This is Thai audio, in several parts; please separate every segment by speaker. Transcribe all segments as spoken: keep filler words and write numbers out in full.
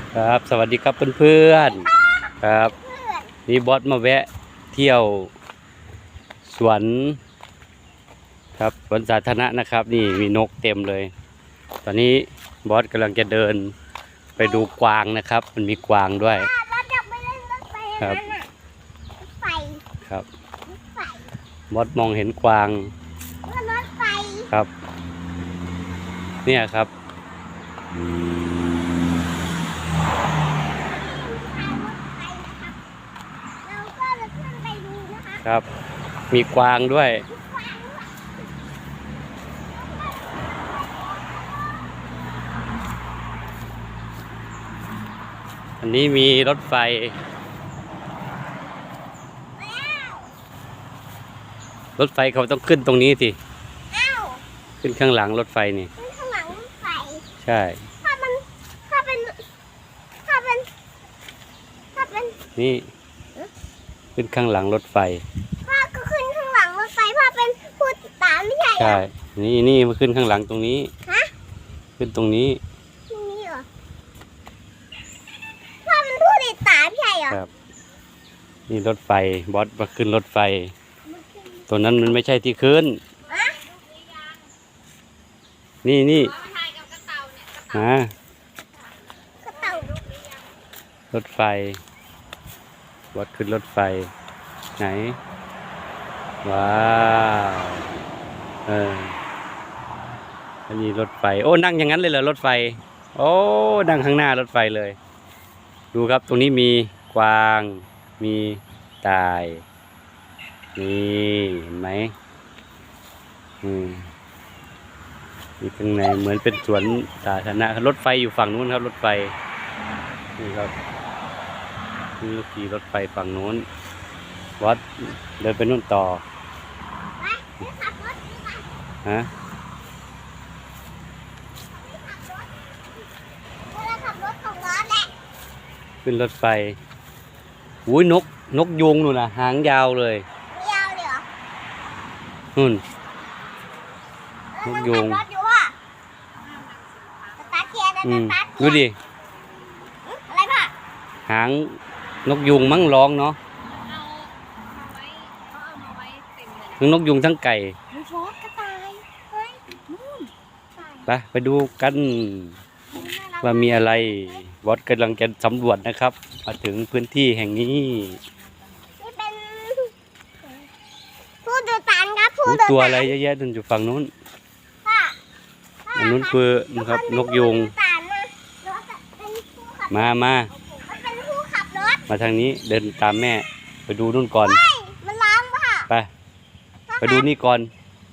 Speaker 1: ครับสวัสดีครับเพื่อนๆครับนี่บอสมาแวะเที่ยวสวนครับสวนสาธารณะนะครับนี่มีนกเต็มเลยตอนนี้บอสกำลังจะเดินไปดูกวางนะครับมันมีกวางด้วยครับครับบอสมองเห็นกวางครับเนี่ยครับครับมีกวางด้วยอันนี้มีรถไฟรถไฟเขาต้องขึ้นตรงนี้สิขึ้นข้างหลังรถไฟนี่
Speaker 2: ขึ้นข้างหลังรถไฟ
Speaker 1: ใช่
Speaker 2: ถ้ามันถ้าเป็นถ้าเป็นถ้าเป็น
Speaker 1: นี่ขึ้นข้างหลังรถไฟ
Speaker 2: พ่อก็ขึ้นข้างหลังรถไฟพ่อเป็นผู้ติดตามไม่ใช่เหรอ
Speaker 1: ใช่นี่นี่มาขึ้นข้างหลังตรงนี้
Speaker 2: ฮะ
Speaker 1: ขึ้นตรงนี้
Speaker 2: ตรงนี้เหรอพ่อเป็นผู้ติดตามใช่เหรอ
Speaker 1: ครับนี่รถไฟบอสมาขึ้นรถไฟตัวนั้นมันไม่ใช่ที่ขึ้นนี่นี่มารถไฟบอสขึ้นรถไฟไหนว้าวเอออันนี้รถไฟโอ้นั่งอย่างนั้นเลยเหรอรถไฟโอ้นั่งข้างหน้ารถไฟเลยดูครับตรงนี้มีกวางมีต่ายนี่เห็นไหมอืมมีข้างในเหมือนเป็นสวนสาธารณะรถไฟอยู่ฝั่งนู้นครับรถไฟนี่ครับนี่ขี่รถไฟฝั่งนู้นวัดเดินไปนู่นต่อฮะขึ้นรถไฟอุ้ยนกนกยูงนู่นน่ะหางยาวเลย
Speaker 2: ยาวเลยเหรอ
Speaker 1: นู่นนกยูงอืมดูดิ
Speaker 2: อะไรพ่อ
Speaker 1: หางนกยูงมั้งร้องเนาะทั้งนกยูงทั้งไก่ไปไปดูกันว่ามีอะไรบอสกำลังจะสำรวจนะครับมาถึงพื้นที่แห่งนี้
Speaker 2: นี่เป็นผู้ดูตันครับผู้ดู
Speaker 1: ตัวอะไรเยอะแยะนั่นอยู่ฝั่งนู้นอันนู้นคือนะครับนกยูงมามามาทางนี้เดินตามแม่ไปดูนู่นก่อน
Speaker 2: มันล้างป่ะ
Speaker 1: ไปไปดูนี่ก่อน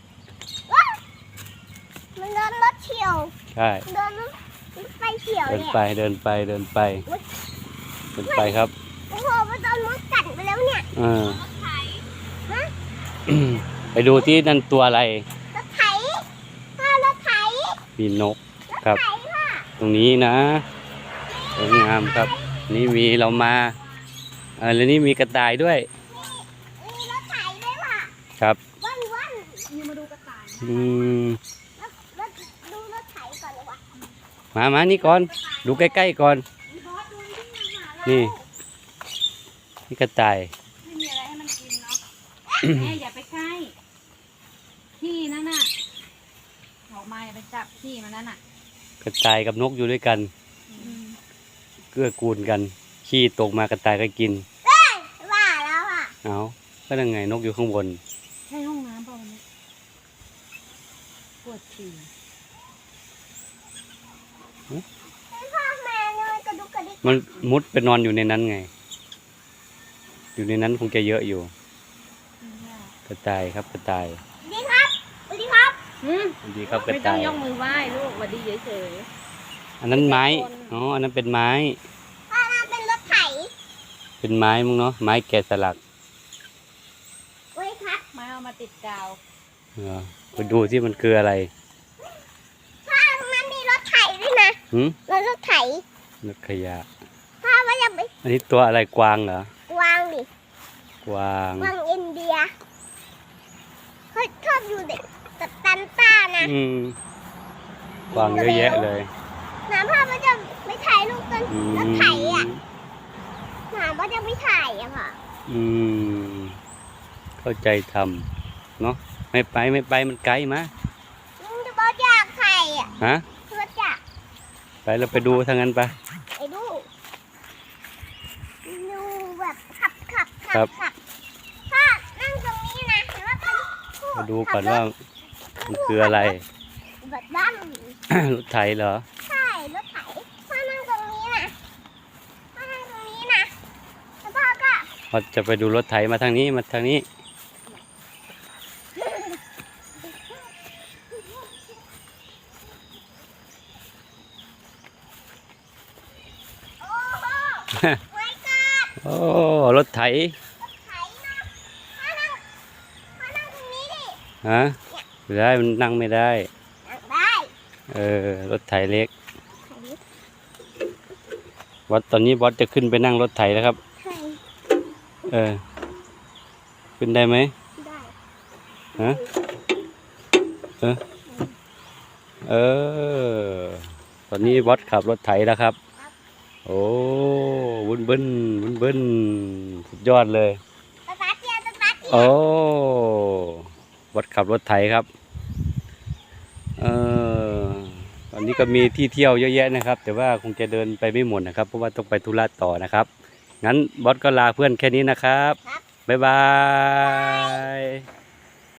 Speaker 2: มันเดินรถเฉียว
Speaker 1: ใช่
Speaker 2: เดินรถไฟเฉียว
Speaker 1: เดินไปเดินไปเดินไปเดินไปครับ
Speaker 2: โอ้โหมันโดนรถกัดไปแล้วเนี่ย
Speaker 1: เออไปดูที่นั่นตัวอะไร
Speaker 2: รถไถรถไถ
Speaker 1: มีนกครับตรงนี้นะสวยงามครับนี่มีเรามาเออแล้วนี่มีกระต่ายด้วย
Speaker 2: มีรถไถด้วยว่ะ
Speaker 1: ครับ
Speaker 2: วันวันนี่มาดูกระต่าย
Speaker 1: อืม
Speaker 2: ดูรถไถก่อนเลยวะ
Speaker 1: มามานี่ก่อนดูใกล้ๆก่อนนี่นี่กระต่าย
Speaker 3: ไม่มีอะไรให้มันกินเนาะแม่อย่าไปใกล้ที่นั่นน่ะออกมาอย่าไปจับที่มันนั่นน่ะ
Speaker 1: กระต่ายกับนกอยู่ด้วยกันเกื้อกูลกันขี้ตกมากระต่ายก็กิน
Speaker 2: ว่าแล้วอ่ะ
Speaker 1: เอาก็ยังไงนกอยู่ข้างบน
Speaker 3: ใช่ห้องน้ำเปล่าเนี่ยปวดฉี่
Speaker 1: มันมุดไปนอนอยู่ในนั้นไงอยู่ในนั้นคงจะเยอะอยู่กระต่ายครับกระต่าย
Speaker 2: ดีครับดีครับ
Speaker 1: ดีครับกระ
Speaker 3: ต่าย
Speaker 1: ไม่ต้อง
Speaker 3: ยกมือไหว้ลูกวันดีเฉย
Speaker 1: ๆอันนั้นไม้อ๋ออันนั้นเป็นไม้
Speaker 2: อันนั้นเป็นรถไถ
Speaker 1: เป็นไม้มึงเนาะไม้แกะสลัก
Speaker 2: ไว้ครับ
Speaker 3: ไม้เอามาติดกาว
Speaker 1: เออไปดูที่มันคืออะไร
Speaker 2: พ่อมันมีรถไถด้วยนะ
Speaker 1: หืม
Speaker 2: รถไถ
Speaker 1: รถขยะ
Speaker 2: พ่อว่าจะไป
Speaker 1: อันนี้ตัวอะไรกวางเหรอก
Speaker 2: วางดิ
Speaker 1: กวาง
Speaker 2: กวางอินเดียเขาชอบอยู่เด็กตันต้านะ
Speaker 1: อืมกวางเยอะแยะเลย
Speaker 2: น้ำพ่อมันจะไม่ถ่ายรูปกัน
Speaker 1: อื
Speaker 2: รถ
Speaker 1: ม
Speaker 2: ไถอ่ะน้ำมันจะไม่ถ่ายอะค่ะ
Speaker 1: อืมเข้าใจทำเนาะไม่ไปไม่ไปมันไกลมา
Speaker 2: ลุงจะบอกอยากถ่ายอ่ะ
Speaker 1: ฮะ
Speaker 2: รถจักร
Speaker 1: ไปเราไปดูทางนั้นไป
Speaker 2: ไอ้ดูดูแบบขับขับขั
Speaker 1: ครับ
Speaker 2: ขับพ่อนั่งตรงนี้นะเห็นว่าเป็นผู้
Speaker 1: มาดูก่อน
Speaker 2: ขับร
Speaker 1: ว่า
Speaker 2: ถ
Speaker 1: มันคืออะไร
Speaker 2: แบบด้าน
Speaker 1: รถไถเหรอ
Speaker 2: ใช่รถไถพ่อนั่งตรงนี้นะพ่อนั่งตรงนี้นะแล้วพ่อก็
Speaker 1: เราจะไปดูรถไถมาทางนี้มาทางนี้
Speaker 2: โอ้โหไว้ก่อน
Speaker 1: โอ้รถไถ
Speaker 2: ไถนะพ่อนั่งพ่อนั่งตรงนี้ดิ
Speaker 1: ฮะไม่ได้มันนั่งไม่ได้
Speaker 2: นั่งได้
Speaker 1: เออรถไถเล็ก
Speaker 2: ไถ
Speaker 1: วัดตอนนี้บอสจะขึ้นไปนั่งรถไถแล้วครับ
Speaker 2: ไถ
Speaker 1: เออ ขึ้นได้ไหม
Speaker 2: ได้
Speaker 1: ฮะ เออ ตอนนี้บอสขับรถไถแล้วครับ โอ้บุนเบิ้นบุนเบิ้นสุดยอดเลย
Speaker 2: สตาร์ทเกียร์สตาร์ทเกียร์
Speaker 1: โอ้บอสขับรถไถครับ เออตอนนี้ก็มีที่เที่ยวเยอะแยะนะครับ แต่ว่าคงจะเดินไปไม่หมดนะครับ เพราะว่าต้องไปธุระต่อนะครับ งั้นบอสก็ลาเพื่อนแค่นี้นะครับ บ๊ายบาย